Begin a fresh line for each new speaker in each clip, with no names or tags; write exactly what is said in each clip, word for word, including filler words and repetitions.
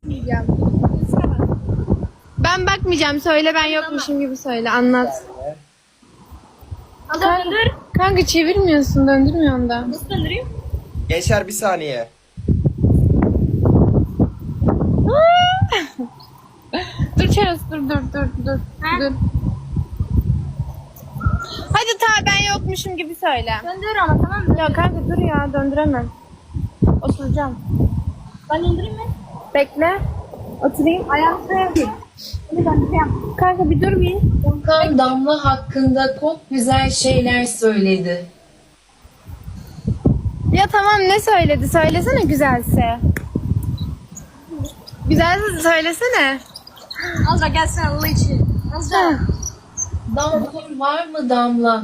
Ben bakmayacağım. Söyle, ben yokmuşum gibi söyle. Anlat.
Kanka, döndür.
Kanka çevirmiyorsun. Döndürmüyorsun da.
Nasıl döndüreyim?
Gençler bir saniye.
Dur Çarası, dur dur dur dur.
Ha?
Dur. Hadi ta ben yokmuşum gibi söyle.
Döndür ama tamam mı?
Ya kanka dur ya, döndüremem. Oturacağım.
Ben döndüreyim mi?
Bekle. Oturayım.
Ayağımı koyayım. Hadi döndüreyim.
Kanka bir dur bir.
Furkan Damla hakkında çok güzel şeyler söyledi.
Ya tamam, ne söyledi? Söylesene güzelse. Güzelse söylesene.
Azra gelsene Allah için. Azra.
Damla var mı Damla?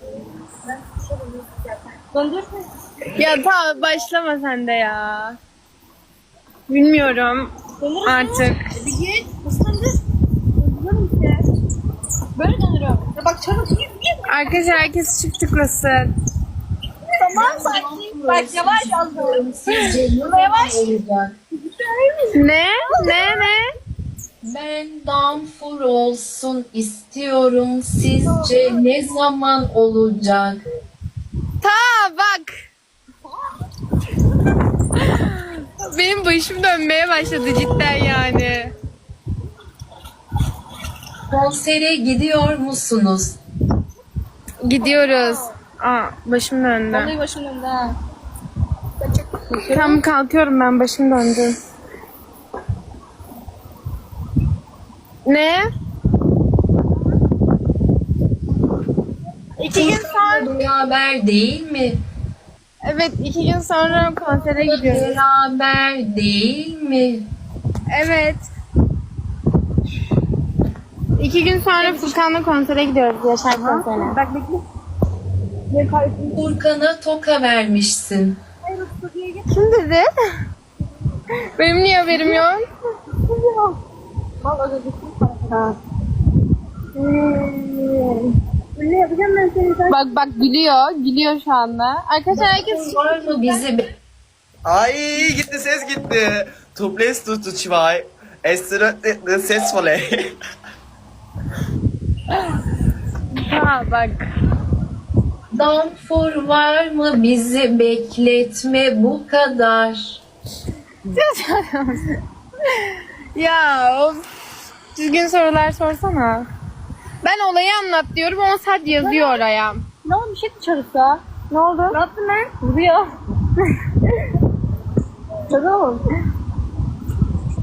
Döndür.
Ya tamam, başlama sen de ya. Bilmiyorum
Döndür.
artık.
Bir git. Nasıl döndür? Döndürüyorum işte. Böyle döndürüyorum. Ya bak çabuk git git.
Arkadaşlar herkes çift tıklasın.
Tamam sakin. Bak yavaş Azra.
Sizce ne zaman
Yavaş.
olacak?
Ne? Ne ne?
Ben Damfur olsun istiyorum. Sizce ne zaman olacak?
Ta bak. Benim başım dönmeye başladı cidden yani.
Konsere gidiyor musunuz?
Gidiyoruz. Aa, başım döndü.
Vallahi başım döndü ha.
Tam kalkıyorum, ben başım döndü. Ne? İki gün sonra.
Beraber değil mi?
Evet, iki gün sonra konsere gidiyoruz.
Beraber değil mi?
Evet. İki gün sonra Furkan'la konsere gidiyoruz, Yaşar konserine.
Bak bekle.
Furkan'a toka vermişsin.
Kim dedi? Benim niye haberim yok?
Vallahi ödedim para. Ne yapacağım ben seni?
Bak bak gülüyor, gülüyor şu anda. Arkadaşlar herkes
Var mı bizi be-
Ay gitti, ses gitti. Tuples tutu zwei. Es wird ses volley.
ha bak.
Damfur var mı bizi bekletme bu kadar.
Ya of. Düzgün sorular sorsana. Ben olayı anlat diyorum, ama sadece yazıyor oraya.
Ne oldu bir şey dışarısa?
Ne oldu?
Ne yaptın lan?
Vuruyor.
Tamam.